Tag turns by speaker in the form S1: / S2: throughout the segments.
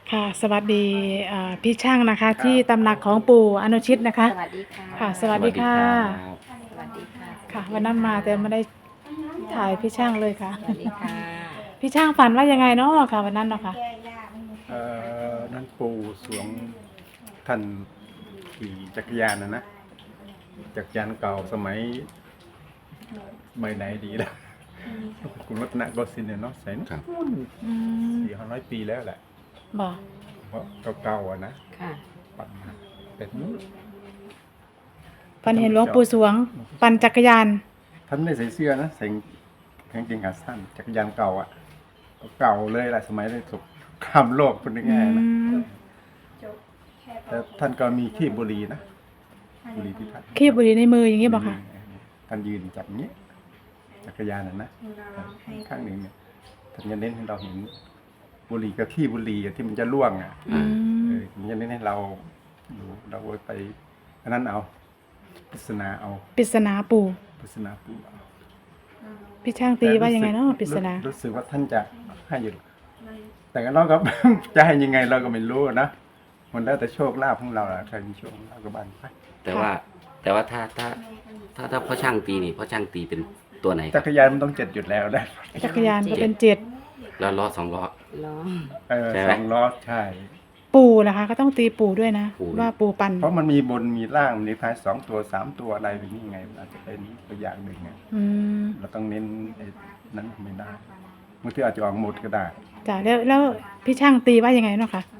S1: ค่ะสวัสดีพี่ช่างนะคะที่ตำหนักของปู่อนุชิตนะคะ
S2: สวัสดีค่ะ
S1: ค่ะสวัสดีค่ะ
S2: สวัสดีค่ะ
S1: ค่ะวันนั้นมาแต่ไม่ได้ถ่ายพี่ช่างเลยค่ะ
S2: สวัสดีค่ะ
S1: พี่ช่างฝันว่ายังไงเนาะค่ะวันนั้นเนาะค่ะ
S3: นั่นปู่สวงท่านขี่จักรยานนะจักรยานเก่าสมัยไหนดีแล้วกรุงรัตนโกสินทร์เนี่ยเนาะใส่นู่น
S1: อืม
S3: 400 ปีแล้วแหละ
S1: บอก
S3: เพราะเก่าๆนะ
S2: ค่ะ
S3: ปั่นมาเป็นนู้น
S1: ฝันเห็นหลวงปู่สวงปั่นจักรยาน
S3: ท่านไม่ได้ใส่เสื้อนะใส่กางเกงขาสั้นจักรยานเก่าเก่าเลยแหละสมัยในสงครามโลกพูดง่ายๆนะ
S1: ม
S3: แต่ท่านก็มีขี้บุหรี่นะบุหรี่ที่ท่าน
S1: คีบบุหรี่ในมืออย่างนี้บอกค่ะ
S3: ท่านยืนจับอย่างนี้จักรยานนะข้างหนึ่งเนี่ยท่านจะเน้นให้เราเห็นบุหรี่กับขี้บุหรี่ที่มันจะล่วงอ่ะ
S1: อืม
S3: มันจะเน้นให้เราดูเราไปอันนั้นเอาปริศนาเอา
S1: ปริศนาปู่
S3: ปริศนาปูเอา
S1: พี่ช่างตีว่ายังไงเนาะปริศนา
S3: รู้สึกว่าท่านจะให้อยู่แต่เราก็ จะให้ยังไงเราก็ไม่รู้นะมันแล้วแต่โชคลาภของเราแหละใครมีโชคลาภก็บ้านไป
S4: แต่ว่าถ้าพ่อช่างตีนี่พ่อช่างตีเป็นตัวไหนค
S3: จั
S4: รับ
S3: กรยานมันต้อง7อยู่แล้วได้
S1: จักรยานก็เป็นเจ็ด
S4: แล้วล้อ2 ล้อ
S2: ล้อ
S4: ใช่ไหม
S3: 2 ล้อใช่
S1: ปู่นะคะก็ต้องตีปู่ด้วยนะ
S4: ปู่
S1: ว่าปู่ปั่น
S3: เพราะมันมีบนมีล่างมีท้าย2 ตัว3 ตัวอะไรแบบนี้ไงมันอาจจะเป็นตัวอย่างหนึ่งไง
S1: อืม
S3: เราต้องเน้นไอ้นั้นไม่ได้บางทีอาจจะออกหมดก็ได้
S1: จ้ะแล้วพี่ช่างตีว่ายังไงเนาะค่ะ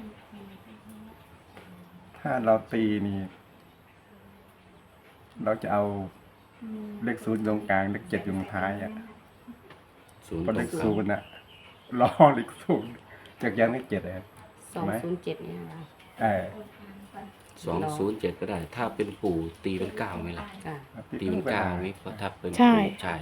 S3: ถ้าเราตีนี่เราจะเอาเลข0ตรงกลางเลข7อยู่ตรงท้ายอ่ะ
S4: ศูนย์
S3: เพราะ
S4: ต
S3: เล
S4: รง
S3: ข
S4: กลาง
S3: ศูนย์น่ะล้อเลข0จากยานเลข7เลย
S2: 207เนี่ยค่ะ
S3: เออ
S4: 207ก็ได้ ถ้าเป็นปู่ตีเป็น9ไหมล่ะ
S2: ค่ะ
S4: ตีเป็น9ไหมเพราะถ้าเป็น
S1: ใช่
S4: ปู่ใช่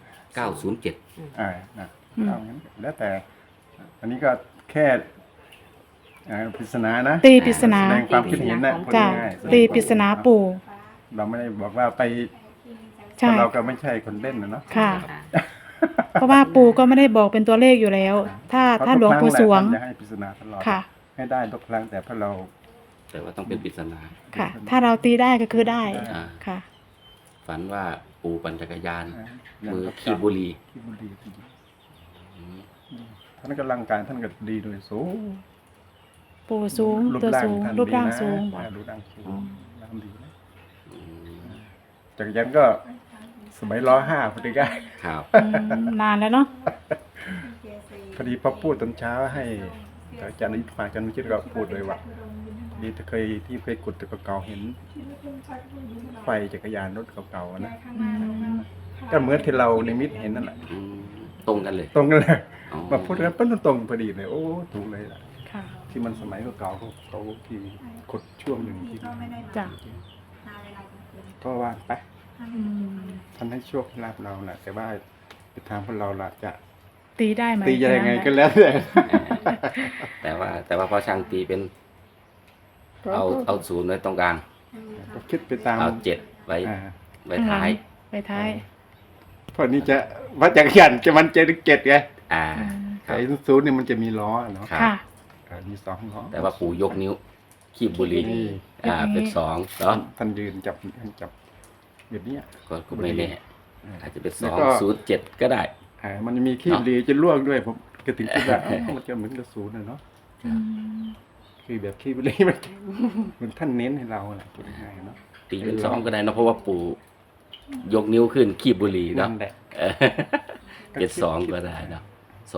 S4: 907
S3: นะ
S1: อืม
S3: เอางั้นแล้วแต่ อันนี้ก็แค่ปริศนานะ
S1: ตีปริศนา
S3: แสดงความคิดเห็นนะพูด
S1: จ้ะ
S3: ง่ายๆ
S1: ตีปริศนาปู่
S3: เราไม่ได้บอกว่าไปเพ
S1: ใช่
S3: ราะเราก็ไม่ใช่คนเล่นนะเนาะ
S1: ค่ะ
S2: ค่ะ
S1: เพราะว่าปู่ก็ไม่ได้บอกเป็นตัวเลขอยู่แล้ว ถ้าหลวงปู่สวง
S3: จะให้ปริศนาตลอด
S1: ค่ะ
S3: ให้ได้ทุกครั้งแต่พอเรา
S4: แต่ว่าต้องเป็นปริศนา
S1: ค่ะ ถ้าเราตีได้ก็คือได้
S4: อ่า
S1: ค่ะ
S4: ฝันว่าปู่ปั่นจักรยาน
S3: ย่าง
S4: มือขีบบุหรี่
S3: ขี้บุหรี่
S4: อืม
S3: ท่านก็ร่างกายท่านก็ดีโดยสูง
S1: ปู่สูง
S3: รูป
S1: ตัว
S3: ร่าง
S1: สูง
S3: ท่าน
S1: รูปร่าง
S3: ดีนะ
S1: สูงบอก
S3: รูปร่างสูงร่างดีนะ
S4: อืม
S3: จักรยานก็สมัยล้อ5พอดีก็
S4: ครับ
S1: นานแล้วเนาะ
S3: พอดีพอพูดตอนเช้าให้อาจารย์นิพพานอาจารย์วิชิตก็พูดเลยว่าดีที่เคยกดแต่เก่าๆเห็น ไฟจักรยานรถเก่าๆนะ
S1: อืม
S3: ก็เหมือนที่เราในมิตเห็นนั่นแหละ
S4: อืมตรงกันเลย
S3: ตรงกันเลย
S4: อ๋อ
S3: มาพูดกันปั้นตรงพอดีเลยโอ้ถูกเลยล่ะ
S1: ค่ะ
S3: ที่มันสมัยเก่าๆเขาที่กดช่วงหนึ่งที่
S1: จ้ะ
S3: ก็ว่าไป
S1: อืม
S3: ท่านให้โชคให้ลาบเราแหละแต่ว่าไปทางพวกเราล่ะจะ
S1: ตีได้ไหม
S3: ตียังไงก็
S1: แค่นั้นแหละ
S3: แล้วแต่
S4: แต่ว่าพ่อช่างตีเป็นเอาศูนย์ไว้ตรงกลาง
S3: ก็คิดไปตาม
S4: เอา7ไว้
S3: อ่า
S4: ไว้ท้าย
S1: ไปท้าย
S3: เพราะนี่จะวัดจักรยานจะมันเจเจ็ดไง
S4: อ่า
S1: อืม
S4: ครับ
S3: ไอ้ศูนย์เนี่ยมันจะมีล้อเนาะ
S4: ครับ
S1: ค่ะ
S3: มี2ล้อ
S4: แต่ว่าปู่ยกนิ้วขีบบุหรี่
S3: นี่
S4: เป็น2เนาะ
S3: ท่านยืนจับแบบเนี้ย
S4: ก็ไม่แน่อาจจะเป็น
S3: แล้วก็
S4: 207ก็ได้
S3: มันจะมีขี้บุหรี่จะล่วงด้วยผมก็ถึงคิดว่ามันจะเหมือนกับศูนย์นะเนาะ
S1: อืม
S3: คือแบบขี้บุหรี่มันท่านเน้นให้เราแหละพูดง่ายๆเนาะ
S4: ตีเป็น2ก็ได้เนอะเพราะว่าปู่ยกนิ้วขึ้นขีบบุหรี่เนาะ
S3: นั่นแหละ
S4: เออเป็น2ก็ได้เนาะ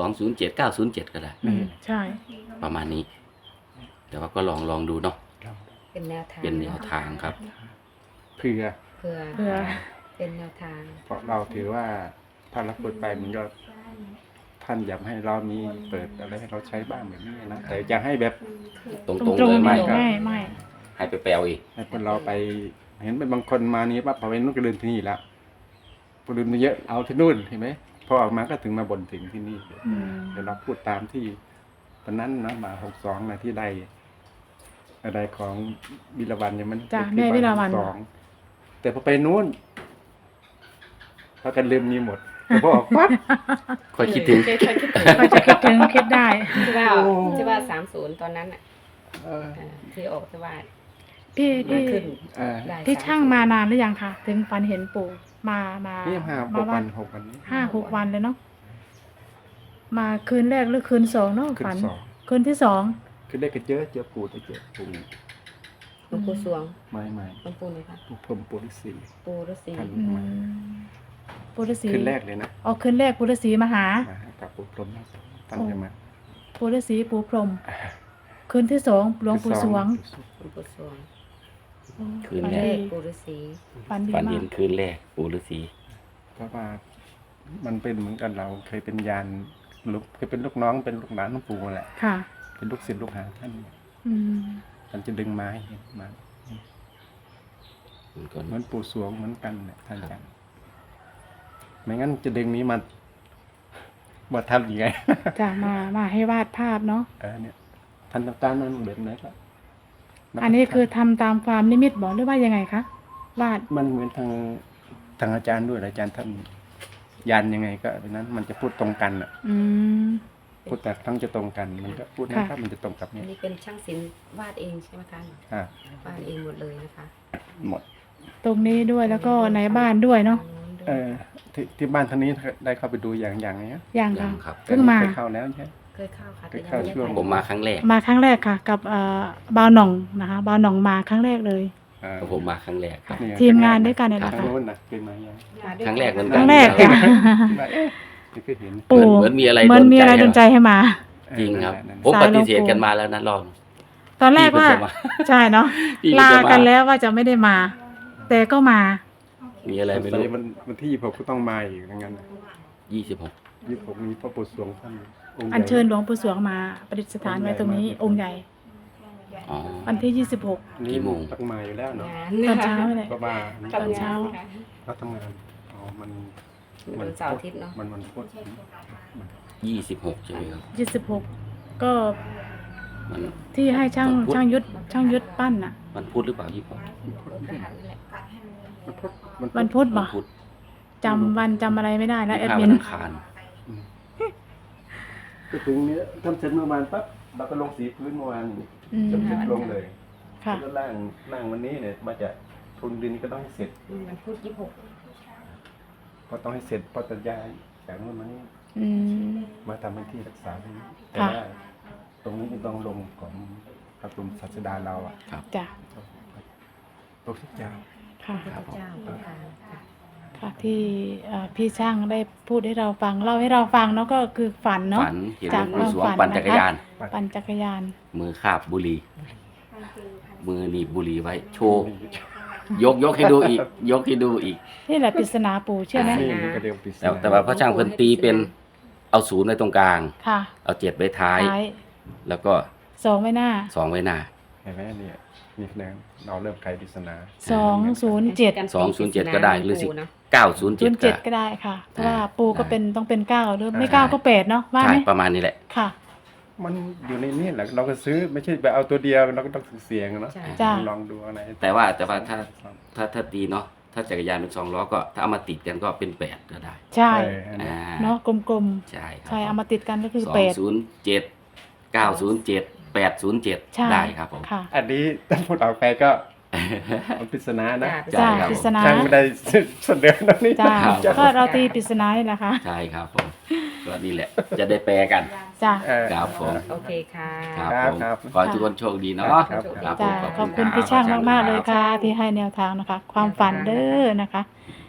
S4: 207 907ก็ได้
S1: อืมใช่
S4: ประมาณนี้ แต่ว่าก็ลองดูเนาะ
S2: เป็นแนวทาง
S4: เป็นแนวทางครับ
S3: เพื่อ
S2: เพื่อ
S1: เพื่อ
S2: เป็นแนวทาง
S3: เพราะเราถือว่าถ้าเราพูดไปมันก็ท่านอยากให้เรามีเปิดอะไรให้เราใช้บ้างแบบนี้นะแต่จะให้แบบ
S4: ตรง
S1: ต
S4: ๆ
S1: รง
S4: เลย
S1: ๆ
S4: ไม่
S1: เดียวไม่
S4: ให้ไปแปลอีก
S3: ให้คนเราไปเห็นเป็นบางคนมานี้ปั๊บพอไปนู่นก็ลืมที่นี่ละพอลืมมาเยอะเอาที่นู่นเห็นไหมพอออกมาก็ถึงมาบ่นถึงที่นี่
S1: อืม
S3: เดี๋ยวเราพูดตามที่ตอนนั้นนะมา62นะที่ได้อะไรของบิลวันเนี่ยมัน
S1: จ้ะแม่วิลาวัน
S3: 62แต่พอไปนู้นพากันลืมมีหมดแต่พอออกปั๊บ
S4: ค่อยคิดถึง
S1: ก็จะคิดถึงคิดได้
S2: ที่ว่า
S3: โอ้
S2: ที่ว่า30 ตอนนั้นอ่ะ
S3: เออ
S2: ที่ออกสวัสด
S1: พี่
S2: มาขึ้น
S3: เออ
S2: ได้
S1: พี่ช่างมานานหรือยังคะถึงฝันเห็นปู่มา
S3: นี่หาหกวันหกวันนี้
S1: 5-6 วันเลยเนาะมาคืนแรกหรือคืนสองเนาะ
S3: ขึ้น
S1: ฝัน
S3: สอง
S1: คืนที่สอง
S3: คือได้กระเจอปูได้เจอปู
S2: หลวงปู่สวง
S3: ไม่
S2: หลวงปู่เลยค่ะ
S3: ปูพรหมปูฤาษี
S2: ปู่ฤาษี
S3: ท่าน
S1: อืมปู่ฤาษี
S3: ขึ้นแรกเลยนะ
S1: อ๋อคืนแรกปู่ฤาษีมาหา
S3: มากับปูพรหมท่านจะมา
S1: ปู่ฤาษีปู่พรหมคืนที่สองหลวงปู่สวง
S2: หลวงปู่สวง
S4: คืน
S1: ฝัน
S4: แร
S1: ดี
S4: ก
S2: ปู่ฤาษี
S1: ฝันดี
S4: ฝัน
S1: มา
S4: เห็
S1: ก
S4: นคืนแรกปู่ฤาษี
S3: เพราะว่ามันเป็นเหมือนกันเราเคยเป็นยานลูกเคยเป็นลูกน้องเป็นลูกหลานหลวงปู่แหละ
S1: ค่ะ
S3: เป็นลูกศิษย์ลูกหาท่าน
S1: อืม
S3: ท่านจะดึงมาให้เห็นมา
S4: มันก็
S3: เหมือนปู่สวงเหมือนกันเนี่ยท่านอาจารย์ไม่งั้นจะดึงนี้มาทำยังไง
S1: จะมาให้วาดภาพเนาะ
S3: เนี่ยท่านต้องการนั้นแบบไหนก็
S1: อันนี้คือทำตามความนิมิตบอกหรือว่ายังไงคะวาด
S3: มันเหมือนทางอาจารย์ด้วยอาจารย์ท่านยันยังไงก็เป็นนั้นมันจะพูดตรงกันอ่ะ
S1: อืม
S3: พูดแต่ทั้งจะตรงกัน มันก็พูดนะครับ มันจะตรงกับ
S2: อั
S3: เนี่
S2: น
S3: ย
S2: นี้เป็นช่างศิลป์วาดเองใช่ไหมคะ
S3: อ่าว
S2: าดเองหมดเลยนะคะ
S3: หมด
S1: ตรงนี้ด้วยแล้วก็ในบ้านด้วยเนาะ
S3: ที่บ้านท่านนี้ได้เข้าไปดูอย่างเนี้ย
S1: อย่าง
S4: ยั
S1: ค่ะ
S4: งครับ
S1: เพิ่งมา
S3: เคยเข้าแล้วใช่
S2: เคยเข้าค่ะ
S3: เคยเข้าช่วง
S4: ผมมาครั้งแรก
S1: มาครั้งแรกค่ะ กับบ่าวหน่องนะคะบ่าวหน่องมาครั้งแรกเลย
S4: ผมมาครั้งแรกครับ
S3: นี่ไ
S1: ทีมงานด้วยกันเนี่ยแหละ
S3: ทาง
S1: ค่ะ
S3: โน้นนะเป็นมายัง
S2: มาด้วย
S4: ครั้งแรกเหมือน
S1: ค
S4: กั
S1: รั้
S4: น
S1: งแรกค่ะ
S3: นี่คือเห็น
S1: ปู่
S4: เหมือนมีอะไร
S1: เหมือนมีอะไรโดนใจให้มา
S4: จริงครับ
S3: นั่น
S4: ผม
S1: สาย
S4: ป
S1: หลวงปู่
S4: ฏิเสธกันมาแล้วนะรอบ
S1: ตอนแรกว่า
S4: พี่เพิ่งจะมา
S1: ใช่เนาะ
S4: พี่
S1: ลา
S4: เพิ่งจะมา
S1: กันแล้วว่าจะไม่ได้มา แต่ก็มา
S4: มีอะไรไม่รู้
S3: วันที่26ก็ต้องมาอีกอย่างนั้น
S4: 26
S3: 26มีพระปู่สวงท่านองค์ใหญ่
S1: อัญเชิญหลวงปู่สวงมาประดิษฐานไว้ตรงนี้องค์ใหญ่
S4: อ๋อ
S1: วันที่
S3: นี่
S4: กี่โมง
S3: ต้องมาอยู่แล้วเนาะ
S2: งาน
S1: 26 ตอนเช้าเลย
S3: ก็มา
S1: ตอนเช้า
S3: เขาทำงานอ๋อมัน
S2: วันเสาร์อาทิตย์เนาะ
S3: มันพุธ
S4: 26ใช่ไหมครับ
S1: 26 ก็
S4: มัน
S1: ที่ให้ช่างยุทธปั้นน่ะ
S4: มันพูดหรือเปล่า26
S1: วันพุธบ่
S4: พุธ
S1: จำวันจำอะไรไม่ได้แล้วแอด
S4: 25
S1: มิ
S4: วัน นอังคาร
S3: ก็ถึงเนี้ยทำเสร็จเมื่อวานปั๊บเราก็ลงสีพื้นเมื่อวาน
S1: อืม
S3: จนเสร็จลงเลย
S1: ค่ะ
S3: แล้วก็ร่างวันนี้เนี่ยมาจะทุนดินก็ต้องให้เสร็จ
S2: มันพูด26
S3: เพราะต้องให้เสร็จเพราะจะย้ายจากนู้นมานี่
S1: อืม
S3: มาทำเป็นที่รักษาตรงนี้แต่
S1: ค่ะ
S3: ว่าตรงนี้ต้องลงของพระบรมศาสดาเราอ่ะ
S1: จ้ะ
S3: พระพุทธเจ้า
S1: ค่ะ
S2: พระเจ้าพระทางค่ะ
S1: ค่ะที่พี่ช่างได้พูดให้เราฟังเล่าให้เราฟังเนาะก็คือฝันเนาะ
S4: ฝันเห็นหล
S1: จาก
S4: วงปู่สวง
S1: ความฝัน
S4: ปั่นจักรยาน
S1: ปั่นจักรยาน
S4: มือคาบบุหรี่มือหนีบบุหรี่ไว้ โชว์ ยกให้ดูอีก ยกให้ดูอีก
S1: นี่แหละปริศนาปู่เชื่อไหม
S3: นี่มันก็เดียวปิด
S4: แต่ว่าพระช่างเพิ่นตีเป็นเอาศูนย์ไว้ตรงกลาง
S1: ค่ะ
S4: เอา7ไว้ท้าย
S1: ท้าย
S4: แล้วก็
S1: 2ไว้หน้า
S4: 2ไว้หน้า
S3: เห็นไหมเนี่ยนี่นะเราเริ่มไขปริศนา
S1: 207
S4: 207ก็ได้หรือสิ
S2: นะ
S4: 907ก็
S1: 07ก็ได้ค่ะเพราะว่าปู่ก็เป็นต้องเป็น9หรือไม่9ก็8เนาะว่า
S4: ใช่
S1: ไหม
S4: ประมาณนี้แหละ
S1: ค่ะ
S3: มันอยู่ในนี่แหละเราก็ซื้อไม่ใช่ไปเอาตัวเดียวเราก็ต้องเสี่ยงเนาะ
S2: ใช่
S1: จ้ะ
S3: ลองดูอะไร
S4: แต่ว่าถ้าตีเนาะถ้าจักรยานเป็น2ล้อก็ถ้าเอามาติดกันก็เป็น8ก็ได้
S1: ใช่
S4: อ่า
S1: เนาะกลม
S4: ใช่ค
S1: ๆ
S4: รับ
S1: ใช่เอามาติดกันก็คือ
S4: 207 907 807
S1: ใช่
S4: ได้ครับผม
S1: ค่ะ
S3: อันนี้ถ้าพูดออกไปก็มันปริศนานะ
S1: จ้า
S4: ครับ
S1: ปริศนา
S3: ช่างไม่ได้เสนอตรงนี้
S1: จ้า
S4: ครับ
S1: ก็เราตีปริศนานี่แหละค่ะ
S4: ใช่ครับผมก็นี่แหละ จะได้แปลกัน
S1: จ้า
S4: ครับผม
S2: โอเคค่ะ
S4: ครับผม
S3: ครับ
S4: ขอให้ทุกคนโชคดีเนาะ
S3: ครับ
S4: ครับผ
S1: จ้าม ขอบคุณ
S4: รับ
S1: พี่ช่างมากๆเลย
S4: รับ
S1: ค่ะ ที่ให้แนวทางนะคะ ความฝันเด้อนะคะ